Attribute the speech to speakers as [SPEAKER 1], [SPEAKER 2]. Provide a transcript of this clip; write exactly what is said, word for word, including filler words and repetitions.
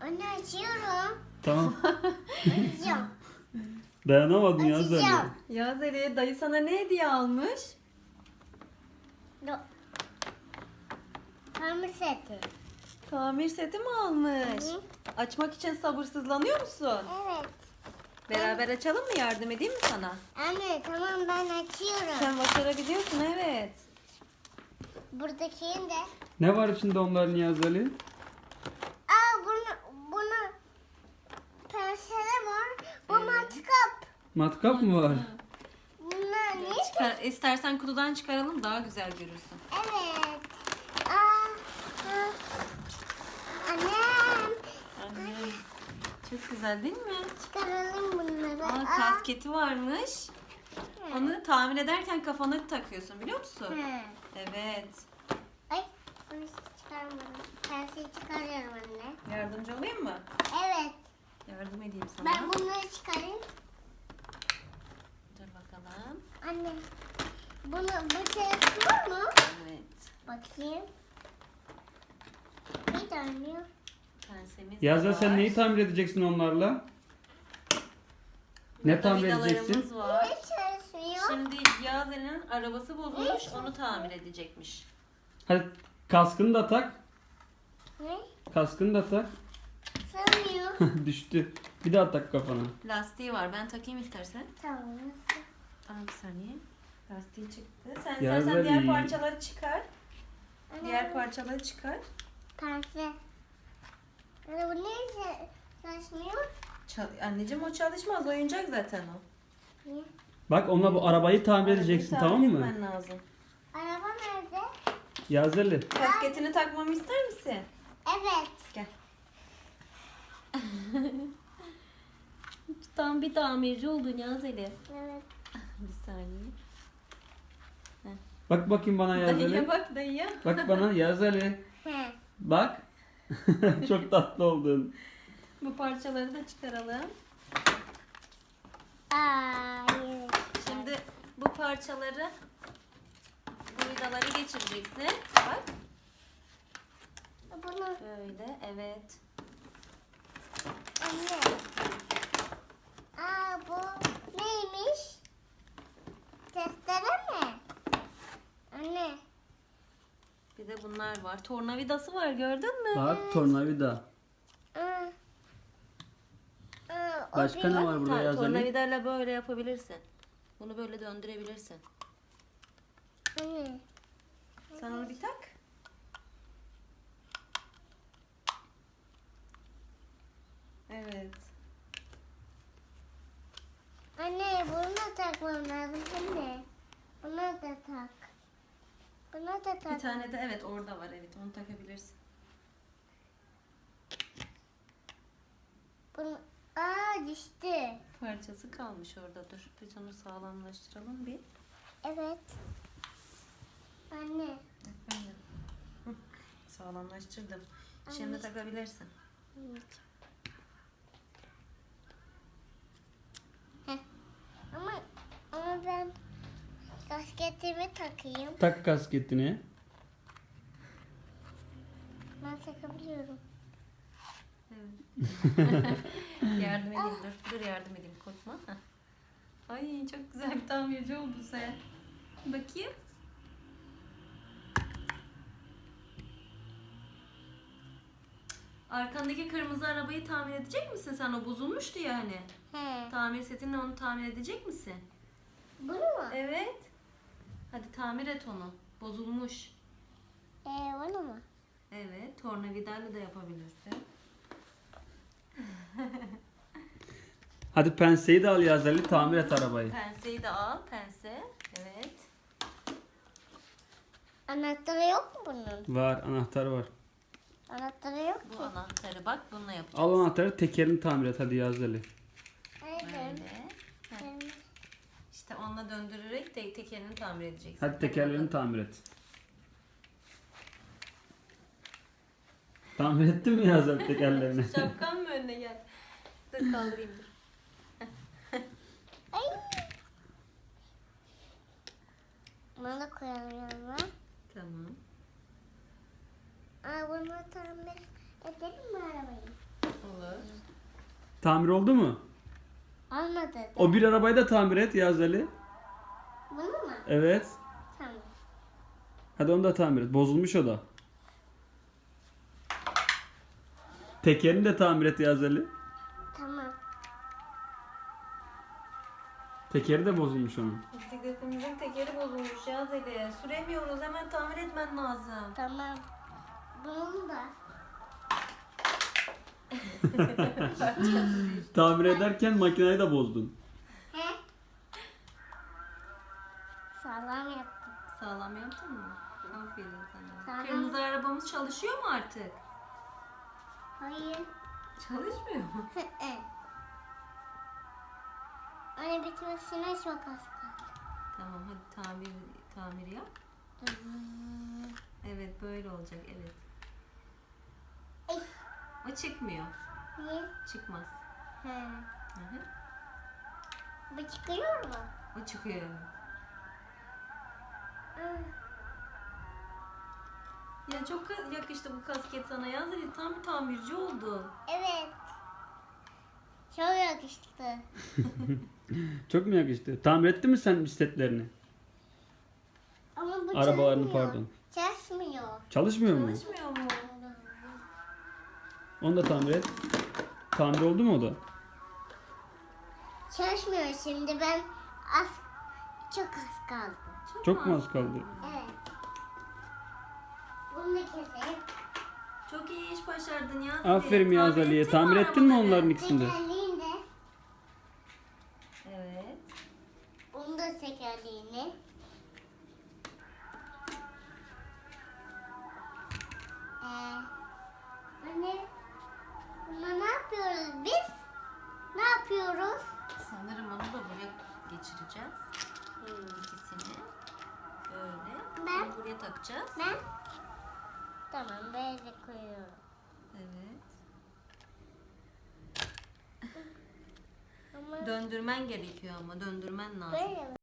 [SPEAKER 1] Anne açıyorum.
[SPEAKER 2] Tamam.
[SPEAKER 1] Açacağım.
[SPEAKER 2] Dayanamadın ya
[SPEAKER 1] Açacağım.
[SPEAKER 2] sen.
[SPEAKER 3] Yaz Ali, dayı sana ne hediye almış?
[SPEAKER 1] Do- Hamur seti.
[SPEAKER 3] Tamir seti mi almış?
[SPEAKER 1] Hı.
[SPEAKER 3] Açmak için sabırsızlanıyor musun?
[SPEAKER 1] Evet.
[SPEAKER 3] Beraber açalım mı? Yardım edeyim mi sana?
[SPEAKER 1] Anne tamam ben açıyorum.
[SPEAKER 3] Sen başarabiliyorsun, evet.
[SPEAKER 1] Buradakini de.
[SPEAKER 2] Ne var içinde onların Niyaz Ali?
[SPEAKER 1] Aa bunu bunu pensele var. Bu matkap.
[SPEAKER 2] Matkap mı var?
[SPEAKER 1] Bunlar ne?
[SPEAKER 3] Çıkar, istersen kutudan çıkaralım, daha güzel görürsün.
[SPEAKER 1] Evet. Aa, aa. Annem.
[SPEAKER 3] Anne, çok güzel değil mi?
[SPEAKER 1] Çıkaralım bunları.
[SPEAKER 3] Aa, kasketi varmış. Onu tamir ederken kafana takıyorsun, biliyor musun?
[SPEAKER 1] Hı.
[SPEAKER 3] Evet.
[SPEAKER 1] Ay bunu çıkarmadım. Penseyi çıkarıyorum anne.
[SPEAKER 3] Yardımcı olayım mı?
[SPEAKER 1] Evet.
[SPEAKER 3] Yardım edeyim sana.
[SPEAKER 1] Ben bunları çıkarayım.
[SPEAKER 3] Dur bakalım.
[SPEAKER 1] Anne. Bunu bu şey var mı?
[SPEAKER 3] Evet.
[SPEAKER 1] Bakayım. Bir tane.
[SPEAKER 3] Pensemiz
[SPEAKER 2] Niyaz
[SPEAKER 3] de
[SPEAKER 2] Ali sen
[SPEAKER 3] var.
[SPEAKER 2] neyi tamir edeceksin onlarla? Ne
[SPEAKER 3] Burada
[SPEAKER 2] tamir
[SPEAKER 3] vidalarımız
[SPEAKER 2] edeceksin?
[SPEAKER 3] var.
[SPEAKER 1] Ne çalışmıyor?
[SPEAKER 3] Şimdi Yağız Ali'nin arabası bozulmuş, onu tamir edecekmiş.
[SPEAKER 2] Hadi kaskını da tak.
[SPEAKER 1] Ne?
[SPEAKER 2] Kaskını da tak.
[SPEAKER 1] Sanmıyor.
[SPEAKER 2] Düştü. Bir daha tak kafana.
[SPEAKER 3] Lastiği var, ben takayım istersen.
[SPEAKER 1] Tamam.
[SPEAKER 3] Aa, bir saniye. Lastiği çıktı. Sen
[SPEAKER 2] Yağız
[SPEAKER 3] istersen diğer
[SPEAKER 2] Ali.
[SPEAKER 3] parçaları çıkar.
[SPEAKER 1] Anne,
[SPEAKER 3] Diğer parçaları çıkar.
[SPEAKER 1] pense. Anne bu ne çalışmıyor?
[SPEAKER 3] Çal- Anneciğim o çalışmaz, oyuncak zaten o.
[SPEAKER 1] Niye?
[SPEAKER 2] Bak onunla bu arabayı tamir
[SPEAKER 3] Arabayı
[SPEAKER 2] edeceksin
[SPEAKER 3] tamir
[SPEAKER 2] tamam mı?
[SPEAKER 3] etmen lazım.
[SPEAKER 1] Araba nerede?
[SPEAKER 2] Yağız Ali.
[SPEAKER 3] Kasketini takmamı ister misin?
[SPEAKER 1] Evet.
[SPEAKER 3] Gel. Tam bir tamirci oldun Yağız Ali.
[SPEAKER 1] Evet.
[SPEAKER 3] Bir saniye.
[SPEAKER 2] Bak bakayım bana Yağız
[SPEAKER 3] Dayıya
[SPEAKER 2] Ali.
[SPEAKER 3] bak dayıya.
[SPEAKER 2] Bak bana Yağız Ali.
[SPEAKER 1] He.
[SPEAKER 2] Bak. Çok tatlı oldun.
[SPEAKER 3] Bu parçaları da çıkaralım.
[SPEAKER 1] Aa, evet.
[SPEAKER 3] Şimdi bu parçaları, bu vidaları geçireceksin. Bak.
[SPEAKER 1] Bunu
[SPEAKER 3] Böyle, evet.
[SPEAKER 1] anne. Aa bu neymiş? Testere mi? Anne.
[SPEAKER 3] Bir de bunlar var. Tornavidası var, gördün mü?
[SPEAKER 2] Bak tornavida.
[SPEAKER 1] Aa. Aa, o
[SPEAKER 2] Başka ne
[SPEAKER 1] bir-
[SPEAKER 2] var burada
[SPEAKER 3] Ha,
[SPEAKER 2] Yağız Ali?
[SPEAKER 3] tornavidayla böyle yapabilirsin. Bunu böyle döndürebilirsin.
[SPEAKER 1] Anne.
[SPEAKER 3] Sen onu bir tak. Evet.
[SPEAKER 1] Anne bunu da takmam lazım anne. Bunu da tak. Bunu da tak.
[SPEAKER 3] Bir tane de evet orada var, evet onu takabilirsin.
[SPEAKER 1] Bunu... Aa düştü.
[SPEAKER 3] Parçası kalmış orada, dur. Biz onu sağlamlaştıralım bir.
[SPEAKER 1] Evet. Anne.
[SPEAKER 3] Efendim. Hı, sağlamlaştırdım. Şimdi takabilirsin.
[SPEAKER 1] Heh. Ama ama ben kasketimi takayım.
[SPEAKER 2] Tak kasketini.
[SPEAKER 1] Ben takabiliyorum.
[SPEAKER 3] Evet. Yardım edeyim, dur. Dur yardım edeyim, korkma. Heh. Ay çok güzel bir tamirci oldun sen. Bakayım. Arkandaki kırmızı arabayı tamir edecek misin sen? O bozulmuştu ya hani.
[SPEAKER 1] He.
[SPEAKER 3] Tamir setinle onu tamir edecek misin?
[SPEAKER 1] Bunu mu?
[SPEAKER 3] Evet. Hadi tamir et onu. Bozulmuş.
[SPEAKER 1] Ee, bunu mu?
[SPEAKER 3] Evet. Tornavidayla da yapabilirsin.
[SPEAKER 2] Hadi penseyi de al Yağız Ali tamir et arabayı.
[SPEAKER 3] Penseyi de al. Pense. Evet.
[SPEAKER 1] Anahtarı yok mu bunun?
[SPEAKER 2] Var anahtar var.
[SPEAKER 1] Anahtarı yok
[SPEAKER 3] Bu
[SPEAKER 1] ki.
[SPEAKER 3] anahtarı bak bununla yapacağız.
[SPEAKER 2] Al anahtarı tekerini tamir et hadi Yağız Ali.
[SPEAKER 1] Evet.
[SPEAKER 3] Böyle. Heh. İşte onunla döndürerek de tekerini tamir edeceksin.
[SPEAKER 2] Hadi tekerlerini tamir et. Tamir ettin mi Yağız Ali tekerlerini?
[SPEAKER 3] Şapkan mı önüne gel? Dur kaldırayım dur.
[SPEAKER 1] Ay. Bunu da koyalım yanına.
[SPEAKER 3] Tamam.
[SPEAKER 1] Aa, bunu tamir edelim mi arabayı?
[SPEAKER 2] Tamir oldu mu?
[SPEAKER 1] Olmadı da.
[SPEAKER 2] O bir arabayı da tamir et Yağız Ali.
[SPEAKER 1] Bunu mu?
[SPEAKER 2] Evet.
[SPEAKER 1] Tamam.
[SPEAKER 2] Hadi onu da tamir et. Bozulmuş o da. Tekerini de tamir et Yağız Ali.
[SPEAKER 1] Tamam.
[SPEAKER 2] Tekeri de bozulmuş onun.
[SPEAKER 3] Bisikletimizin tekeri bozulmuş ya Zeli. Süremiyoruz. Hemen tamir etmen lazım.
[SPEAKER 1] Tamam. Bunu da.
[SPEAKER 2] Tamir ederken makineyi de bozdun.
[SPEAKER 1] He? Sağlam yaptım.
[SPEAKER 3] Sağlam yaptın mı? Aferin sana.
[SPEAKER 1] Sağlam.
[SPEAKER 3] Kırmızı arabamız çalışıyor mu artık?
[SPEAKER 1] Hayır.
[SPEAKER 3] Çalışmıyor mu?
[SPEAKER 1] Anne bitmesine çok az kaldı.
[SPEAKER 3] Tamam hadi tamir tamir yap. Evet böyle olacak evet.
[SPEAKER 1] Ey.
[SPEAKER 3] O çıkmıyor.
[SPEAKER 1] Niye?
[SPEAKER 3] Çıkmaz.
[SPEAKER 1] He.
[SPEAKER 3] Hı hı.
[SPEAKER 1] Bu çıkıyor mu?
[SPEAKER 3] O çıkıyor.
[SPEAKER 1] Hı.
[SPEAKER 3] Ya çok ka- yakıştı bu kasket sana ya Zeli. Tam bir tamirci oldun.
[SPEAKER 1] Evet. Çok yakıştı.
[SPEAKER 2] Çok mu yakıştı? Tamir etti mi sen bisikletlerini?
[SPEAKER 1] Ama bu
[SPEAKER 2] Arabalarını
[SPEAKER 1] çalışmıyor.
[SPEAKER 2] pardon.
[SPEAKER 1] Çalışmıyor.
[SPEAKER 2] Çalışmıyor mu?
[SPEAKER 3] Çalışmıyor mu?
[SPEAKER 2] Onu da tamir et. Tamir oldu mu o da?
[SPEAKER 1] Çalışmıyor şimdi ben az çok az kaldı.
[SPEAKER 2] Çok mu az kaldı?
[SPEAKER 1] Evet. Bunu da keselim.
[SPEAKER 3] Çok iyi iş başardın ya Zeli.
[SPEAKER 2] Aferin Yağız
[SPEAKER 3] Tamir
[SPEAKER 2] Ali'ye.
[SPEAKER 3] ettin
[SPEAKER 2] Tamir ettin mi
[SPEAKER 3] arabaları?
[SPEAKER 2] onların ikisini de?
[SPEAKER 1] Tekerleğini de.
[SPEAKER 3] Evet.
[SPEAKER 1] Bunu da tekerleğini. Ee, anne, buna ne yapıyoruz biz? Ne yapıyoruz?
[SPEAKER 3] Sanırım onu da buraya geçireceğiz. İkisini. Böyle.
[SPEAKER 1] Ben-
[SPEAKER 3] Bunu buraya takacağız.
[SPEAKER 1] Ben? Tamam, böyle koyuyorum.
[SPEAKER 3] Evet.
[SPEAKER 1] Ama
[SPEAKER 3] Döndürmen gerekiyor ama döndürmen lazım.
[SPEAKER 1] böyle mi?